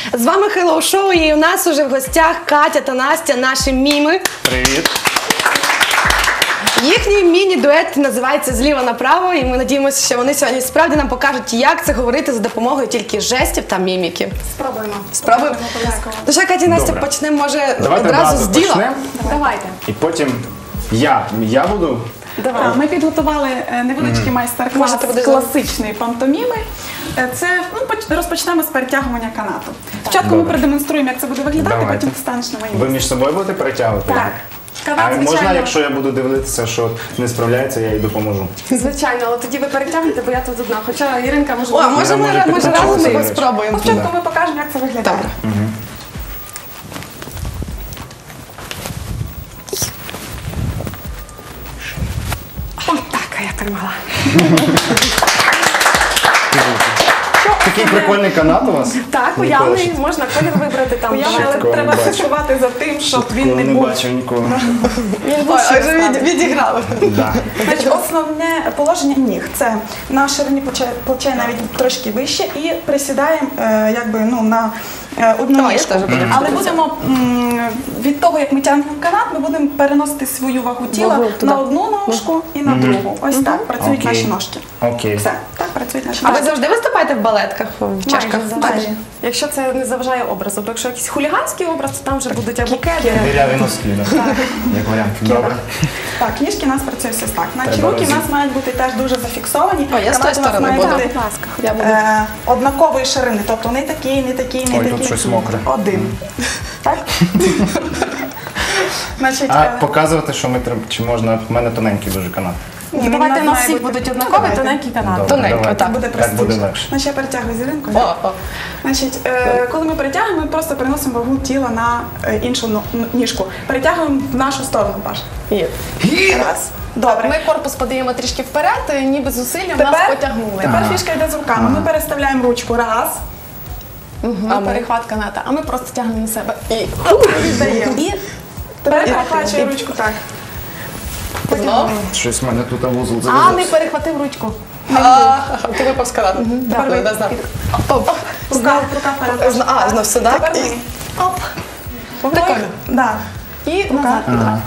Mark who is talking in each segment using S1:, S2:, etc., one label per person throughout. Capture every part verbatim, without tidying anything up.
S1: З вами Hello Show і у нас уже в гостях Катя та Настя, наші міми.
S2: Привіт.
S1: Їхній міні-дует називається «Зліва направо», і ми надіємося, що вони сьогодні справді нам покажуть, як це говорити за допомогою тільки жестів та міміки.
S3: Спробуємо.
S1: Спробуємо? Ну що, Катя і Настя,
S2: Добре.
S1: почнемо, може,
S2: Давайте
S1: одразу з
S2: одразу
S1: діла?
S2: почнемо.
S3: Давайте.
S2: І потім я. Я буду.
S3: Давай. Ми підготували е, невеличкий майстер-клас
S1: Можете буде
S3: класичної пантоміми. Е, Це ну, поч- розпочнемо з перетягування канату. Спочатку ми
S2: Добре.
S3: продемонструємо, як це буде виглядати,
S2: Давайте.
S3: потім встанеш на моє
S2: Ви
S3: місце.
S2: між собою будете перетягувати?
S3: Так.
S2: А
S3: Канат,
S2: можна,
S3: звичайно,
S2: якщо я буду дивитися, що не справляється, я їй допоможу?
S4: Звичайно, але тоді ви перетягнете, бо я тут одна. Хоча Іринка може...
S1: О, а може ми,
S2: може
S1: може разом
S2: підключитися,
S1: ми
S2: до речі.
S1: спробуємо?
S3: спочатку
S2: Да.
S3: ми покажемо, як це виглядає.
S1: Добре.
S4: Отак я тримала.
S2: Такий прикольний канат у вас?
S4: Так,
S2: Ніколи
S4: уявний,
S2: ще-
S4: можна колір вибрати там.
S3: Уявно,
S2: Ще
S3: але
S2: такого
S3: треба
S2: не бачив.
S3: слідкувати за тим, щоб він
S2: Такого
S3: не
S2: не
S3: був.
S2: бачив ніколи.
S4: Він
S1: Ой,
S4: був
S1: а вже від, відіграли.
S2: Да.
S3: Значить, основне положення ніг це на ширині плече, плече навіть трошки вище і присідаємо е, якби, ну, на е, одну
S1: О, я
S3: ніжку.
S1: теж буду.
S3: Але будемо м, від того, як ми тягнемо канат, ми будемо переносити свою вагу тіла
S1: Вагу туди.
S3: на одну ножку і на другу. Ось так працюють
S2: Окей.
S3: наші ножки.
S2: Окей.
S3: Все, так працюють наші
S1: А ви
S3: ножки.
S1: завжди виступаєте в балетках, в чашках?
S3: Майже.
S4: Якщо це не заважає образу, бо якщо якийсь хуліганський образ, то там вже будуть або кеди.
S2: Диряві носки, да. Як варіант. Добре.
S3: Так, ніжки у нас працюють ось так. Наші
S2: Треба
S3: руки в нас
S2: розі-
S3: мають бути теж дуже зафіксовані.
S1: О, я з тої
S3: Канат у нас
S1: сторони
S3: має
S1: буду.
S3: бути,
S4: Будь ласка.
S1: Я буду.
S3: Е, однакової ширини, тобто не такий, не такий, не
S2: Ой,
S3: такий.
S2: тут щось мокре.
S3: Один. Так? Значить,
S2: А
S3: е,
S2: показувати, що ми треба, чи можна, в мене тоненький дуже канат.
S3: ні, він
S4: Давайте
S3: нас
S4: на
S3: має
S4: всіх
S3: бути-
S4: будуть
S3: Ну,
S4: однакові,
S3: давайте.
S4: тоненький канат.
S2: Добре,
S1: Тоненько,
S2: давайте.
S1: так.
S3: Буде
S2: Так
S3: простіше.
S2: буде легше.
S3: Значить, я перетягую зіринкою.
S1: О, о.
S3: Значить, е, коли ми перетягуємо, ми просто переносимо вагу тіла на е, іншу но- н- ніжку. Перетягуємо в нашу сторону, Паш.
S1: Є.
S3: Раз. Добре.
S4: Ми корпус подаємо трішки вперед, і ніби зусиллям нас
S3: Тепер,
S4: потягнули.
S3: тепер фішка йде з руками. Ми переставляємо ручку. Раз.
S4: Мгм, перехват каната, а ми просто тягнемо на себе. І
S3: Віддаємо.
S4: І
S3: Тепер
S4: І-
S3: перехвачує ручку так.
S1: Знов?
S2: Щось в мене тут вузол
S4: а не
S2: зав'язався.
S4: перехватив ручку.
S1: А, ти випав з канату.
S3: Тепер ви-
S1: Не знаю.
S3: Рука, рука вперед.
S1: Зна- А, знов сюди.
S3: Тепер
S1: І-
S3: ми.
S4: Оп.
S1: Прикольно.
S3: Да.
S4: І назад.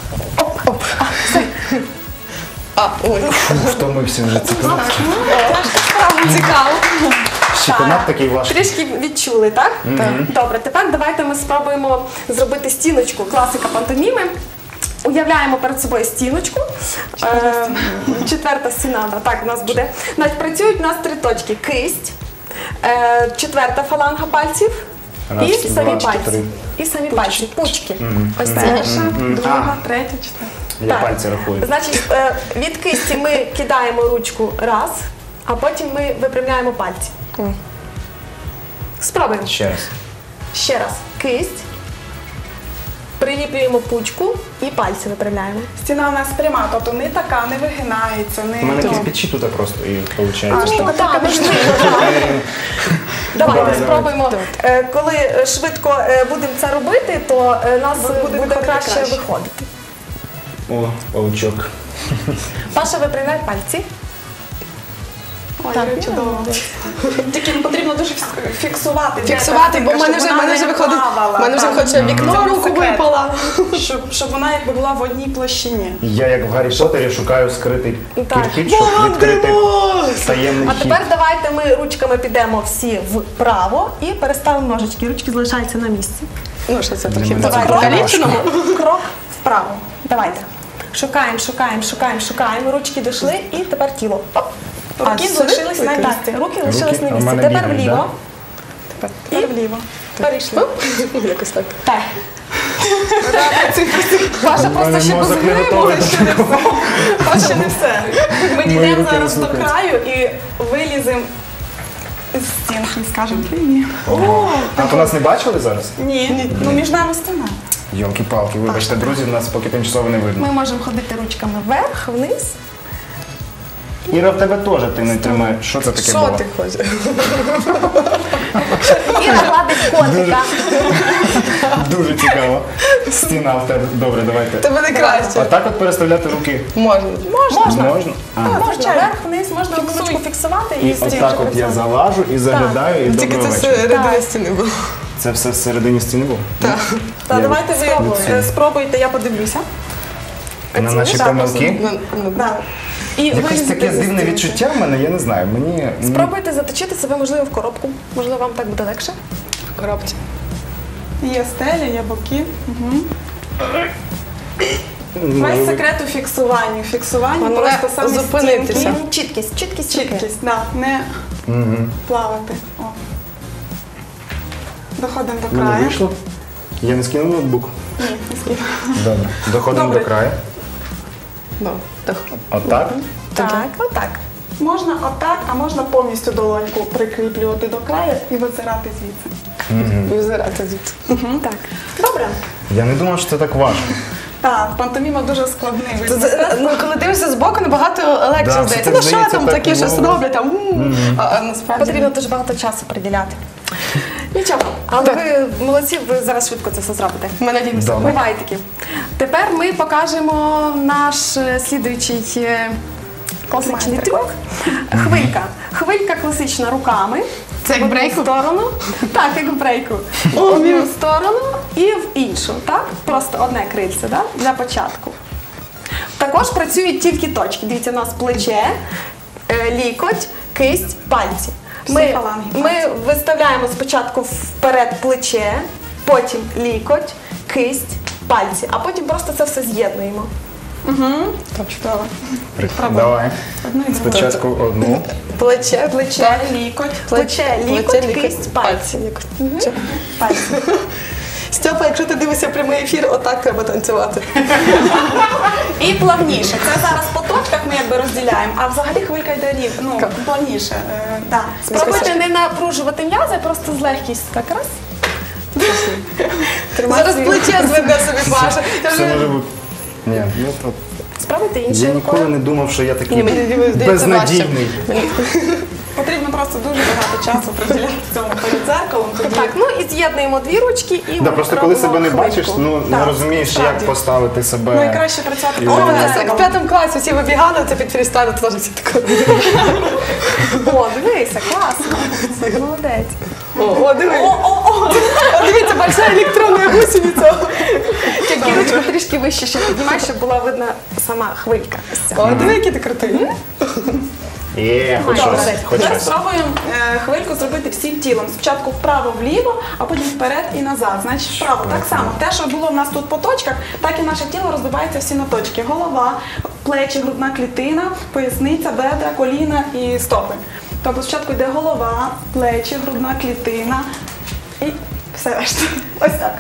S1: А, ой.
S2: Втомився вже цікаво.
S1: Цікаво.
S2: Ще канат такий важкий.
S4: Трішки відчули, так? Добре, тепер давайте ми спробуємо зробити стіночку, класика пантоміми. Уявляємо перед собою стіночку. Е, Четверта стіна, да, так, у нас буде. Значить, працюють у нас три точки. Кисть, е, четверта фаланга пальців
S2: Раз,
S4: і самі
S2: два,
S4: пальці.
S2: три.
S4: І самі пальці, пучки. Ось це.
S3: Перша, друга, третя, четверта.
S2: Я
S4: Так.
S2: пальці рахую.
S4: Значить, е, від кисті ми кидаємо ручку раз, а потім ми випрямляємо пальці. Спробуємо.
S2: Ще раз.
S4: Ще раз. Кисть. Приліплюємо пучку і пальці випрямляємо.
S3: Стіна у нас пряма, тобто не така, не вигинається, не...
S2: У мене кирпичі тут просто і виходить.
S3: штука така,
S4: Так, Давайте
S2: Давай,
S4: спробуємо. Е, Коли е, швидко е, будемо це робити, то е, нас
S3: Буде
S4: буде,
S3: виходити
S4: краще,
S3: краще.
S4: виходити.
S2: О, паучок.
S4: Паша, випрямляй пальці.
S3: Ой,
S4: Так,
S3: як чудово. Тільки потрібно дуже фікс- фіксувати. де
S1: Фіксувати, бо в
S3: картинка,
S1: мене
S3: щоб
S1: вже, в
S3: вона
S1: мене
S3: не
S1: вже виходить,
S3: плавала.
S1: в мене вже
S3: Так.
S1: хоче вікно,
S3: Це
S1: руку
S3: секрет.
S1: випала.
S3: Щоб, щоб вона якби була в одній площині.
S2: Я як в Гаррі Поттері шукаю скритий
S4: Так.
S2: кирпич, щоб відкрити таємний
S4: А
S2: хід.
S4: тепер давайте ми ручками підемо всі вправо і переставимо ножички. Ручки залишаються на місці.
S1: Ну, що це трохи
S2: мене це
S1: давай,
S2: дуже
S1: покаліченому.
S3: Крок вправо.
S4: Давайте. Шукаємо, шукаємо, шукаємо, шукаємо. Ручки дійшли і тепер тіло. Оп.
S3: Руки
S1: сюди?
S3: залишились на
S1: Руки.
S3: місці.
S4: Так, руки лишились
S2: а
S4: на
S2: в
S4: місці.
S2: мене
S4: Тепер
S2: бігають,
S4: вліво.
S3: Тепер вліво.
S4: Перейшли.
S1: Якось так.
S4: Так. Паша просто ще
S2: мозок не готовий до такого.
S3: Ще не все. Ми
S2: Мої
S3: дійдемо
S2: руки
S3: зараз до
S2: слухаються.
S3: краю і виліземо з стінки, скажемо. Ні.
S2: А то нас не бачили зараз?
S3: Ні. Ну між нами стіна.
S2: Йолки-палки, вибачте, друзі, нас поки тимчасово не видно.
S4: Ми можемо ходити ручками вверх, вниз.
S2: Іра, в тебе теж ти не тримаєш. Що це таке
S1: Що
S2: було?
S1: ти хочеш?
S4: І нагладить котика.
S2: Дуже цікаво. Стіна в тебе. Добре, давайте.
S1: Тебе не краще.
S2: А так от переставляти руки
S1: Можна.
S4: Можна.
S2: можна? А.
S4: Можна вверх, вниз, можна ручку фіксувати і
S2: І
S4: стільки
S2: отак от я
S4: працювати.
S2: залажу і заглядаю, і
S1: Тільки
S2: доброго
S1: це
S2: вечора.
S1: все рядові стіни було.
S2: Це все всередині стіни було?
S1: Так.
S3: Та
S2: Я
S3: давайте ви
S2: спробую.
S3: е, спробуйте, я подивлюся.
S2: На наші помилки?
S1: Ну, ну,
S3: Да.
S4: І
S2: Якесь
S4: вилізете
S2: таке
S4: зі
S2: дивне
S4: стінки.
S2: відчуття в мене, я не знаю. Мені м,
S4: Спробуйте заточити себе, можливо, в коробку. Можливо, вам так буде легше.
S1: коробці.
S3: Є стеля, є боки. Угу.
S2: ну,
S3: Весь секрет у фіксуванні. Фіксуванні
S1: Головне
S3: просто саме
S1: зупинитися.
S3: стінки.
S4: Чіткість, чіткість, руки.
S3: Чіткість, да, не
S2: Мгм.
S3: плавати. О. Доходимо
S2: В
S3: до
S2: мене
S3: краю.
S2: вийшло. Я не скинув ноутбук.
S3: Ні, не скину.
S2: Добре. Доходимо
S3: Добре.
S2: до краю.
S1: Ну, так.
S2: Отак.
S4: Так, отак.
S3: Можна отак, а можна повністю долоньку прикріплювати до краю і визирати звідси.
S1: Визирати звідси.
S4: Так.
S3: Добре.
S2: Я не думав, що це так важко.
S3: Так, пантоміма дуже складний вид
S1: Це-
S3: мистецтва.
S1: Ну, коли дивишся збоку, набагато легше
S2: Да,
S1: здається.
S2: все
S1: Ну,
S2: так
S1: що
S2: здається,
S1: там
S2: так,
S1: такі щось
S2: ну.
S1: роблять, там, м, а, а насправді.
S4: Потрібно дуже багато часу приділяти. Нічого, але
S1: Так.
S4: ви молодці, ви зараз швидко це все зробите.
S1: Ми надіємося.
S2: Добре.
S4: Буває такі. Тепер ми покажемо наш е, слідуючий е, класичний
S3: Майстер-клас.
S4: трюк. Хвилька. Хвилька класична руками.
S1: Це як
S4: в одну
S1: брейку?
S4: сторону. Так, як в брейку. В одну сторону і в іншу. Так? Просто одне крильце, да? Для початку. Також працюють тільки точки. Дивіться, у нас плече, е, лікоть, кисть, пальці.
S3: Всі
S4: Ми,
S3: фаланги
S4: ми виставляємо спочатку вперед плече, потім лікоть, кисть, пальці, а потім просто це все з'єднуємо.
S3: Чудово.
S2: Давай.
S3: Одну і другу.
S2: Спочатку одну.
S1: Плече,
S3: Плече, лікоть.
S4: Плече, лікоть,
S1: плече,
S4: кисть, пальці.
S1: Лікоть.
S3: Пальці.
S1: Стьопа, якщо ти дивишся прямий ефір, отак треба танцювати.
S3: І плавніше. Це зараз по точках ми якби розділяємо, а взагалі хвилька йде рів. Ну, плавніше. Е, да.
S4: Спробуйте не напружувати м'язи, просто з легкістю. Так раз.
S1: Зараз плече зведе собі Паша. Я
S2: Все
S1: вже-
S2: може бути. Ні, ну то.
S4: Спробуйте
S2: Я
S4: іншою
S2: ніколи
S4: рукою.
S2: не думав, що я такий
S1: Ні, мені здається,
S2: безнадійний.
S3: Потрібно просто дуже багато часу приділяти цьому перед дзеркалом. Тоді
S4: Так, ну і з'єднуємо дві ручки і
S2: Да, просто коли
S4: робимо
S2: себе не
S4: хвильку.
S2: бачиш, ну не
S3: Так,
S2: розумієш,
S3: справді.
S2: як поставити себе.
S3: найкраще працювати
S2: І
S1: О,
S3: перед
S1: у нас як в
S3: дзеркалом.
S1: п'ятому класі всі вибігали, це під фрістайл, то теж всі тако.
S4: О, дивися, класно. Молодець.
S1: О, о, диви. О, дивіться, большая електронна гусениця.
S4: Тільки ручку трішки вище ще піднімай, щоб була видна сама хвилька. Ось ця.
S1: О, диви, який ти крутий.
S2: Є, хоч
S4: Добре.
S2: щось, хоч
S3: Зараз
S2: щось.
S3: спробуємо е, хвильку зробити всім тілом. Спочатку вправо-вліво, а потім вперед і назад. Значить, вправо. Так само. Те, що було в нас тут по точках, так і наше тіло розбивається всі на точки. Голова, плечі, грудна клітина, поясниця, бедра, коліна і стопи. Тобто спочатку йде голова, плечі, грудна клітина і все решта. Ось так.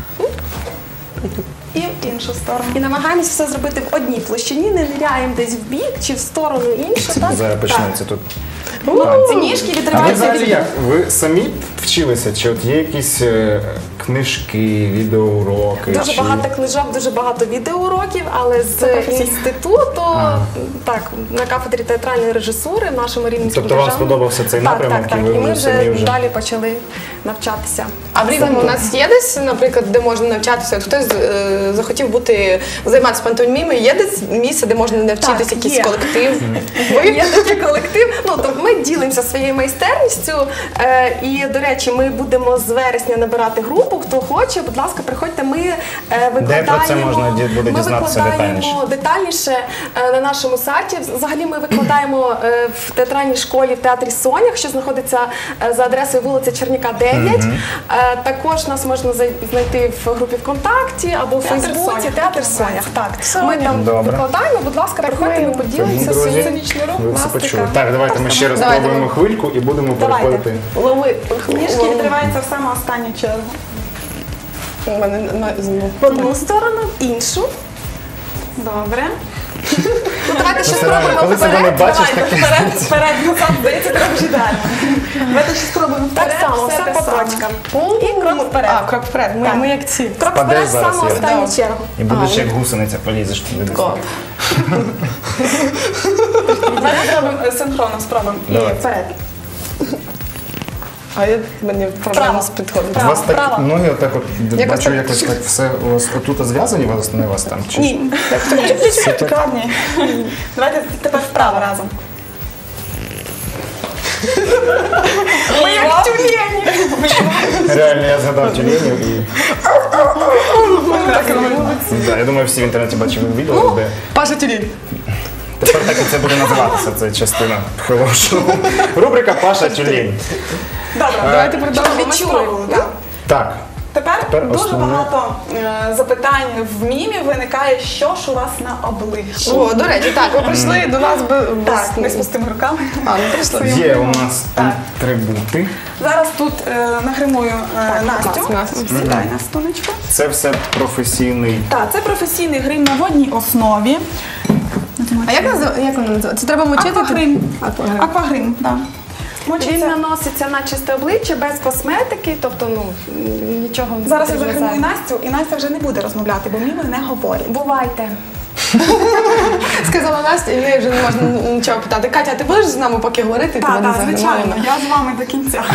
S3: І в іншу сторону.
S4: І намагаємось все зробити в одній площині, не ниряємо десь в бік чи в сторону іншу. Так?
S2: Зараз почнеться тут.
S3: Ці ніжки
S2: А ви
S3: відриваються
S2: взагалі
S3: від
S2: як? Ви самі вчилися? Чи от є якісь е, книжки, відеоуроки?
S4: Дуже
S2: чи...
S4: багато книжок, дуже багато відеоуроків, але з
S3: професійно.
S4: інституту, так, на кафедрі театральної режисури в нашому Рівненському
S2: Тобто вам
S4: державному.
S2: сподобався цей
S4: так,
S2: напрямок,
S4: так, так.
S2: і ви
S4: І ми
S2: вже
S4: вже,
S2: самі вже-
S4: далі почали навчатися.
S1: А в Рівному у нас є десь, наприклад, де можна навчатися? От хтось е, захотів бути займатися пантомімою, є десь місце, де можна навчитися,
S4: Так,
S1: якийсь
S4: є.
S1: колектив?
S4: Є такий колектив. Ну тобто ми ділимося своєю майстерністю. Е, і до речі, ми будемо з вересня набирати групу. Хто хоче, будь ласка, приходьте. Ми е, викладаємо.
S2: про це можна ді- буде
S4: ми
S2: дізнатися
S4: викладаємо
S2: детальніше?
S4: детальніше е, на нашому сайті. Взагалі ми викладаємо е, в театральній школі в театрі Сонях, що знаходиться е, за адресою вулиця Черняка, дев'ять. Е, також нас можна зай- знайти в групі ВКонтакті або в
S3: Театр
S4: Фейсбуці.
S3: Сонях.
S4: Театр Сонях. Так, ми там
S2: Добре.
S4: викладаємо. Будь ласка, приходьте, ми поділимося
S2: Друзі,
S4: своїм.
S2: ви все
S4: Пластика.
S2: почули. Так, давайте ми ще раз
S1: Давайте.
S2: спробуємо хвильку і будемо
S4: Давайте.
S2: переходити.
S1: Лови.
S3: ніжки відриваються в саму останню чергу.
S1: У мене на- знову.
S4: В одну сторону, в іншу.
S3: Добре.
S4: Ну, давайте ще
S2: Ну, це реально,
S4: спробуємо
S2: коли себе не
S4: вперед.
S2: бачиш,
S3: Давайте
S2: таке.
S3: вперед, вперед, назад, здається, трошки далі. Давайте ще спробуємо
S4: Так
S3: вперед,
S4: само, все
S3: те
S4: по
S3: саме.
S4: точкам. І крок вперед.
S1: А, крок вперед. Ми,
S4: Так.
S1: ми як ці.
S4: Крок
S2: Впадеш
S4: вперед,
S2: зараз,
S4: саму
S2: я.
S4: останню
S1: Да.
S4: чергу.
S2: І будеш як гусениця, полізеш туди. десь.
S1: О.
S3: Давайте зробимо е, синхронно, спробуємо. І
S2: Давай.
S3: вперед.
S1: А я мені проблема з підходом.
S2: У вас так
S3: Право.
S2: ноги отак от
S1: Якось
S2: бачу,
S1: так.
S2: якось так все у вас отут зв'язані, у вас не у вас там. Чи
S3: Ні, чуть-чуть складні. Давайте тепер вправо разом.
S4: Ми як тюлені.
S2: Реально, я згадав тюленів і... Да, я думаю, всі в інтернеті бачили відео, де...
S1: Паша Тюлін.
S2: Тепер так і це буде називатися, це частина хорошого. Рубрика «Паша Тюлін».
S3: Добре,
S1: Давайте
S3: Ми
S1: продовжимо.
S3: спробували, так.
S2: Так,
S3: Тепер,
S2: Тепер
S3: дуже
S2: основне.
S3: багато е, запитань в мімі виникає, що ж у вас на обличчі.
S1: О, до речі, так, ви прийшли до нас без...
S3: Так, ми з пустими руками.
S1: А, ну прийшли.
S2: є у нас
S3: Так.
S2: атрибути.
S3: Зараз тут е, нагримую е, Настю.
S1: Настю.
S3: Сідай на столичку.
S2: Це все професійний.
S3: Так, це професійний грим на водній основі.
S1: А як назив- як воно називається? Це треба мочити?
S3: Аквагрим.
S1: Аквагрим.
S3: Аквагрим, так.
S4: Він
S3: Мочиться.
S4: наноситься на чисте обличчя без косметики, тобто ну нічого не
S3: Зараз я
S4: потрібно
S3: загримую
S4: зайвого.
S3: Настю, і Настя вже не буде розмовляти, бо міми не говорять.
S4: Бувайте.
S1: Сказала Настя, і в неї вже не можна нічого питати. Катя, а ти будеш з нами поки говорити?
S3: Так,
S1: Тебе не
S3: так,
S1: загримаємо?
S3: звичайно, я з вами до кінця.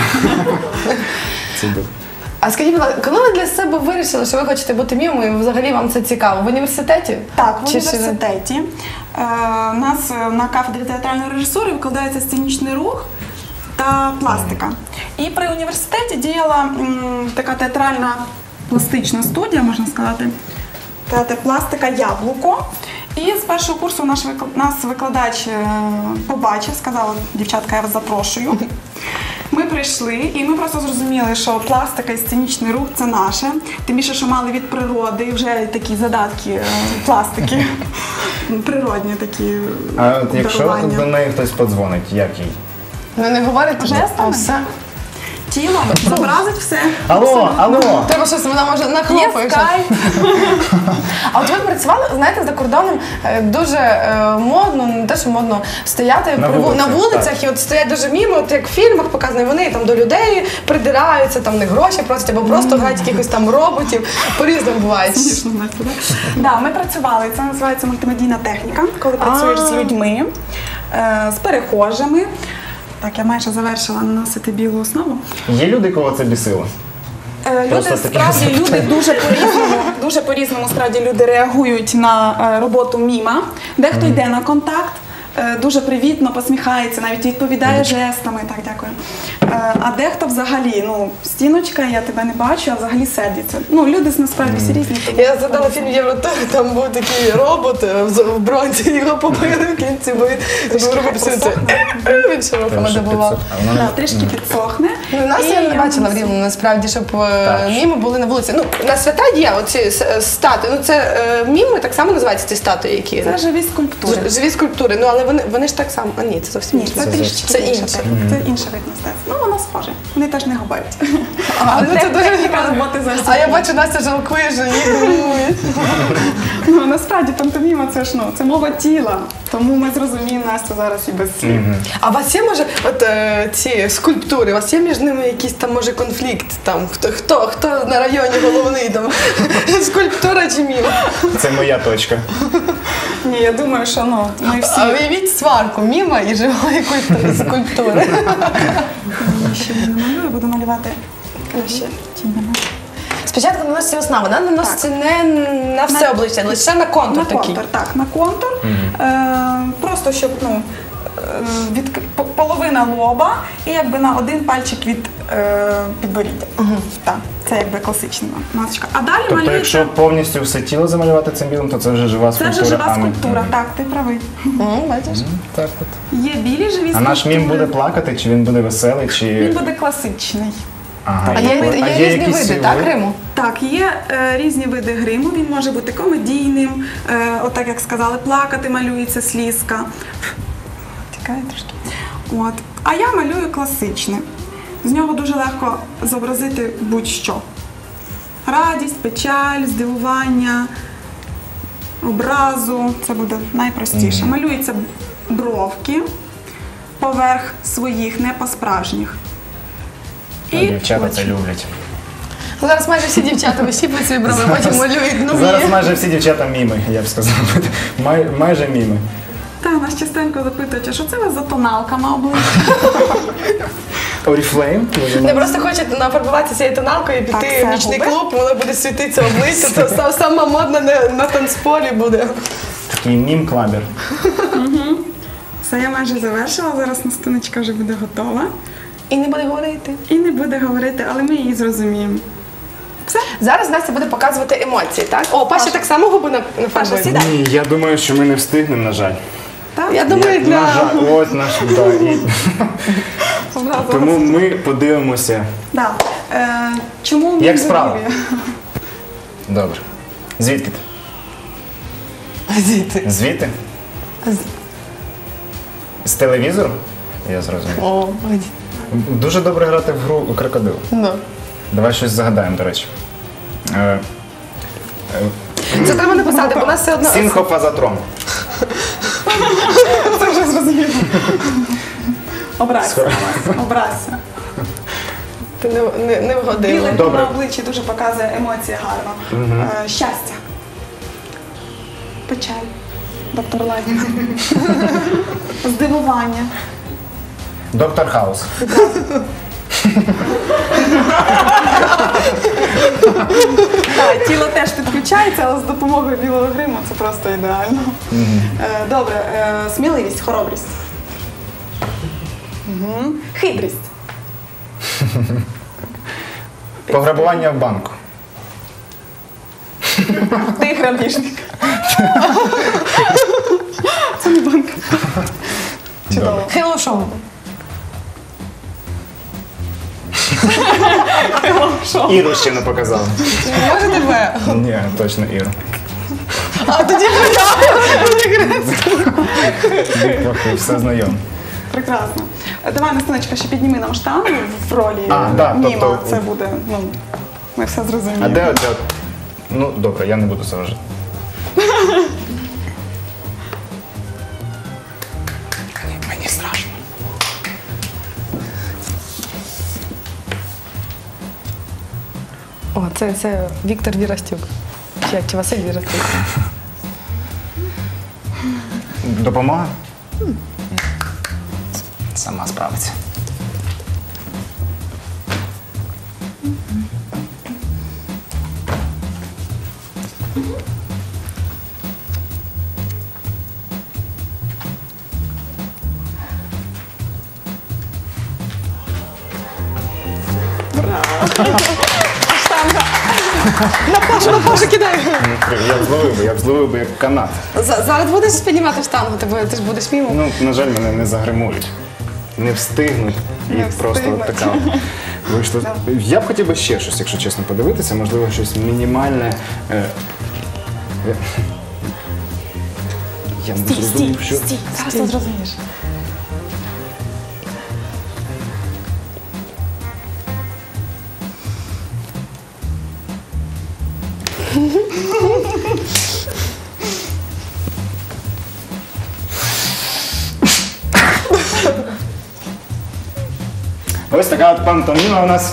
S1: А скажіть, будь ласка, коли ви для себе вирішили, що ви хочете бути мімою, і взагалі вам це цікаво? В університеті?
S3: Так, в
S1: Чи ще-
S3: університеті е, у нас е, на кафедрі театральної режисури викладається сценічний рух та пластика. І при університеті діяла м, така театральна пластична студія, можна сказати, театр пластика «Яблуко». І з першого курсу наш викла- нас викладач е, побачив, сказав: дівчатка, я вас запрошую. Ми прийшли, і ми просто зрозуміли, що пластика і сценічний рух – це наше. Тим більше, що мали від природи вже такі задатки е, пластики, природні такі
S2: А от якщо
S3: дарування.
S2: до неї хтось подзвонить, як їй?
S1: Ви не говорите?
S3: Жестами?
S1: А все.
S3: Тіло зобразить все.
S2: Алло, алло!
S1: Треба щось, вона може
S4: Є
S1: нахлопає. щось.
S4: скайп.
S1: А от ви працювали, знаєте, за кордоном е, дуже е, модно, не те, що модно, стояти
S2: На
S1: при ву- на
S2: вулицях,
S1: вулицях, і от стоять дуже міми, от як в фільмах показано, і вони там до людей придираються, там не гроші просять, або просто грають якихось там роботів. По-різному буває.
S3: Смішно, Настя, да? Да, ми працювали. Це називається мультимедійна техніка, коли працюєш з людьми, е, з перехожими. Так, я майже завершила наносити білу основу.
S2: Є люди, кого це бісило?
S3: Е, Люди
S2: Просто таке
S3: справді
S2: запитання.
S3: люди дуже по-різному, дуже по-різному справді люди реагують на е, роботу міма. Дехто йде на контакт, е, дуже привітно посміхається, навіть відповідає жестами. Так, дякую. Е, А дехто взагалі, ну, стіночка, я тебе не бачу, а взагалі сердиться. Ну, люди насправді всі різні. тому-
S1: Я згадала фільм Євротур, там був такий робот е, в в бронзі, його побили в кінці, бо він був робот працює. Він широкому добував.
S2: А вона
S3: Да, трішки підсохне.
S1: Ну, нас
S3: І
S1: я не
S3: я
S1: бачила в
S3: нанесу.
S1: Рівному, насправді, щоб е,
S2: Так.
S1: міми були на вулиці. Ну, на свята є оці с- статуї. Ну, це е, міми, так само називаються ці статуї, які
S3: Це живі скульптури.
S1: Ж- живі скульптури. Ну, але вони, вони ж так само. А ні, це зовсім
S3: Ні,
S1: інше.
S3: це трішки
S1: Це
S3: інше.
S1: інше.
S3: так. Це інше вид мистецтва. Ну, воно схоже. Вони теж не говорять.
S1: А, ну, це дуже
S3: техніка
S1: цікаво.
S3: роботи зовсім
S1: А я
S3: інша.
S1: бачу, Настя жалкує, що її гримують.
S3: Ну, насправді пантоміма це ж ну, це мова тіла. Тому ми зрозуміємо Настю зараз і без слів.
S1: А у вас є, може, от е, ці скульптури, у вас є між ними якийсь там, може, конфлікт? Там, хто, хто, хто на районі головний, там, скульптура чи міма?
S2: це моя точка.
S3: Ні, я думаю, що ну, ми всі.
S1: А уявіть сварку міма і живої культури, скульптури.
S3: Ще не малюю, буду малювати краще тінями.
S1: Спочатку наноситься основа, вона наноситься не на все
S3: На-
S1: обличчя, лише на контур
S3: На
S1: такий.
S3: контур, так, на контур. Е, просто щоб ну, е, від по- половина лоба і якби на один пальчик від е, підборіддя. Так, це якби класична масочка. А далі
S2: Тобто,
S3: малюється.
S2: якщо повністю все тіло замалювати цим білим, то це вже жива
S3: Це
S2: скульптура.
S3: вже жива
S2: а не-
S3: скульптура, так, ти правий.
S1: М, бачиш?
S2: Так от.
S3: Є білі живі скульптури.
S2: А наш мім буде плакати, чи він буде веселий, чи.
S3: Він буде класичний.
S2: Ага,
S1: А є, є,
S2: а
S1: різні
S2: якісь
S1: види, так, Риму?
S3: Так, є е, різні види гриму. Він може бути комедійним, е, отак як сказали, плакати малюється слізка. Тікає трошки. От. А я малюю класичне. З нього дуже легко зобразити будь-що. Радість, печаль, здивування, образу. Це буде найпростіше. Малюються бровки поверх своїх, не по-справжніх.
S2: А дівчата це люблять.
S1: Зараз майже всі дівчата висіплять свої брови, потім малюють нові.
S2: Зараз майже всі дівчата міми, я б сказав. Май, майже міми.
S3: Та, нас частенько запитують, а що це у вас за тоналка на обличчі?
S2: Oriflame?
S1: Не просто хочуть нафарбуватися цією тоналкою і
S3: Так,
S1: піти
S3: це
S1: в нічний
S3: губи.
S1: клуб, воно буде світитися обличчя, це са- сама модна на, на танцполі буде.
S2: Такий мім-клабер.
S3: Все, я майже завершила, зараз настуночка вже буде готова.
S1: І не буде говорити.
S3: І не буде говорити, але ми її зрозуміємо. Все?
S1: Зараз Настя буде показувати емоції, так? О, Паша так само губи на, на
S3: Паша,
S1: фарбує.
S3: сідай.
S2: Ні, я думаю, що ми не встигнемо, на жаль.
S3: Так?
S1: Я думаю,
S2: Я-
S1: для...
S2: На жаль, ось наш, да, і...
S3: Образила.
S2: Тому ми подивимося.
S3: Да. Е, чому ми
S2: Як
S3: не
S2: справа?
S3: віримо?
S2: Добре. Звідки ти?
S1: Діти.
S2: Звідти? З телевізору? Я зрозумів.
S1: О, ой.
S2: Дуже добре грати в гру крокодил.
S1: Ну.
S2: Давай щось загадаємо, до речі. Е,
S1: Це треба написати, бо у нас все одно...
S2: Синхофазотрон.
S3: Це вже зрозуміло. Образься. Образься.
S1: Ти не, не, не вгодила.
S3: Білик
S2: Добре.
S3: на обличчі дуже показує емоції гарно. Е, щастя. Печаль. Доктор Ладіна. Здивування.
S2: Доктор Хаус.
S3: Так, тіло теж підключається, але з допомогою білого гриму це просто ідеально. Е, Добре, е, сміливість, хоробрість. Мгм. Хитрість.
S2: Пограбування в банку.
S3: Ти грабіжник. Це не банк. Чудово.
S1: Hello Show.
S2: Іру ще не показав.
S1: Може тебе?
S2: Ні, точно Іру.
S1: А тоді
S2: Трохи все знайомо.
S3: Прекрасно. Е, Давай, Настиночка, ще підніми нам штангу в ролі
S2: А, да,
S3: Німа.
S2: тобто-
S3: Це буде, ну, ми все зрозуміємо.
S2: А де оця? Ну, добре, я не буду заважати. Мені страшно.
S1: О, це, це Віктор Вірастюк. Чи, як, чи Василь Вірастюк.
S2: Допомога? Сама справиться.
S1: На Пашу, на Пашу кидай.
S2: Я б зловив би, я б зловив би як канат.
S1: За- Зараз будеш піднімати штангу, ти, бу- ти ж будеш мімо.
S2: Ну, на жаль, мене не загримують. Не встигнуть. І
S3: Не
S2: просто от
S3: встигнуть.
S2: така вийшло. Я б хотів би ще щось, якщо чесно, подивитися, можливо, щось мінімальне. Е, я- Я не
S3: Стій,
S2: зрозумів,
S3: стій,
S2: що.
S3: стій, зараз ти зрозумієш.
S2: Ось така от пантоміма у нас.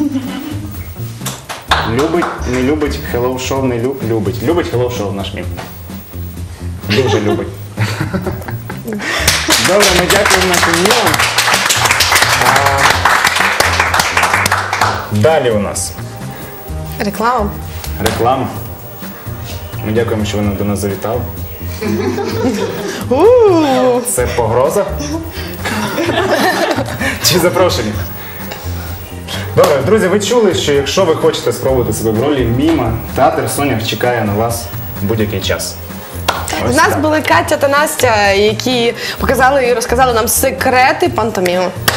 S2: Любить, не любить, Hello Show не лю- любить. Любить Hello Show наш мім. Дуже любить. Добре, ми дякуємо нашим мімам. А, Далі у нас
S1: Реклама.
S2: реклама. Ми дякуємо, що ви до нас завітали. Це погроза? Чи запрошення? Добре, друзі, ви чули, що якщо ви хочете спробувати себе в ролі міма, театр Сонях чекає на вас будь-який час.
S1: У
S2: Ось
S1: нас
S2: так.
S1: були Катя та Настя, які показали і розказали нам секрети пантоміми.